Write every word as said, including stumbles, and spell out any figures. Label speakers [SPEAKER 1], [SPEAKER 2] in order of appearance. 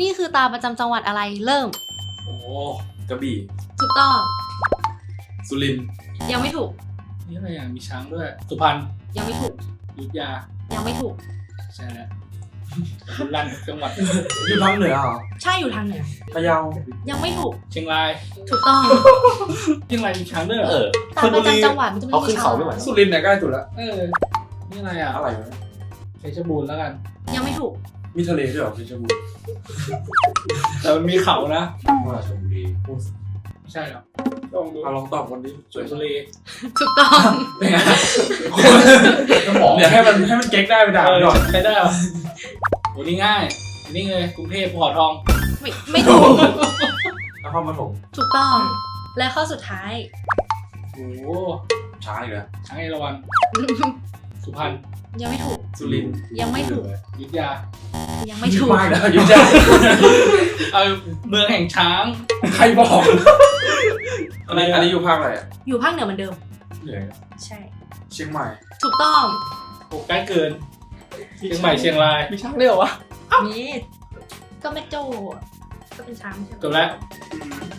[SPEAKER 1] นี่คือตาประจำจังหวัดอะไรเริ่ม
[SPEAKER 2] โอ้กระบี่
[SPEAKER 1] ถูกต้อง
[SPEAKER 2] สุรินทร์
[SPEAKER 1] ยังไม่ถูก
[SPEAKER 3] นี่อะไรอย่างมีช้างด้วยสุพรรณ
[SPEAKER 1] ยังไม่ถูก
[SPEAKER 3] อยุธยา
[SPEAKER 1] ยังไม่ถูก
[SPEAKER 3] ใช่แล้วบุรีรัมย์จังหวัด
[SPEAKER 2] อยู่ทางเหนือเหรอ
[SPEAKER 1] ใช่อยู่ทางเหนือ
[SPEAKER 2] พะเยา
[SPEAKER 1] ยังไม่ถูก
[SPEAKER 3] เชียงราย
[SPEAKER 1] ถูกต้อง
[SPEAKER 3] เชียงรายมีช้างด้วยเหรอ
[SPEAKER 4] เออ
[SPEAKER 1] ตาประจำจังหวัดมันจะไม่
[SPEAKER 4] เอา
[SPEAKER 1] มี
[SPEAKER 4] ขึ้นเขาไม่ไหว
[SPEAKER 2] สุรินทร์เนี่ยใกล้สุดแล้ว
[SPEAKER 3] เออนี่อะไรอ่ะ
[SPEAKER 2] อะไรวะ
[SPEAKER 3] เพชรบูรณ์แล้วกัน
[SPEAKER 1] ยังไม่ถูก
[SPEAKER 2] มีทะเลด้วยเหรอเพชรบูรณ์
[SPEAKER 3] แต่มันมีเขานะ
[SPEAKER 2] ราชบุรี
[SPEAKER 3] ไม่ใช่หรอลองดู
[SPEAKER 2] เอาลองตอบคนนี้
[SPEAKER 3] สวนทะเล
[SPEAKER 1] ถูกต้อง
[SPEAKER 2] เป็นไง
[SPEAKER 4] สมอง
[SPEAKER 2] เนี่ยให้มันให้มันเก๊กได้ไปด่ามันก่อน
[SPEAKER 3] ใช้ได้เหรอโหนี่ง่ายนี่เลยกรุงเทพภูเขาทอง
[SPEAKER 1] ไม่ไม่ถูก
[SPEAKER 2] นครปฐม
[SPEAKER 1] ถูกต้อง และข้อสุดท้าย
[SPEAKER 3] โอ้โห
[SPEAKER 2] ช้างอีกแล้ว
[SPEAKER 3] ช้างเอราวัณสุพรรณ
[SPEAKER 1] ยังไม่ถูก
[SPEAKER 2] สุรินทร์
[SPEAKER 1] ยังไม่ถูก
[SPEAKER 3] อยุธยา
[SPEAKER 1] ยังไม่ถูก
[SPEAKER 2] มากแล้วยุ่งยาก
[SPEAKER 3] เอาเมืองแห่งช้าง
[SPEAKER 2] ใครบอกอันนี้อันนี้อยู่ภาคอะไรอ่ะ
[SPEAKER 1] อยู่ภาคเหนือเหมือนเดิม
[SPEAKER 2] เหนือ
[SPEAKER 1] ใช่
[SPEAKER 2] เชียงใหม่
[SPEAKER 1] ถูกต้อง
[SPEAKER 3] โอ้ใกล้เกินเชียงใหม่เชียงราย
[SPEAKER 4] มีช้างเลยเหรอวะ
[SPEAKER 1] นี่ก็แม่โจ้อะก็เป็นช้างใช่ไหม
[SPEAKER 3] จบแล้ว
[SPEAKER 2] อืม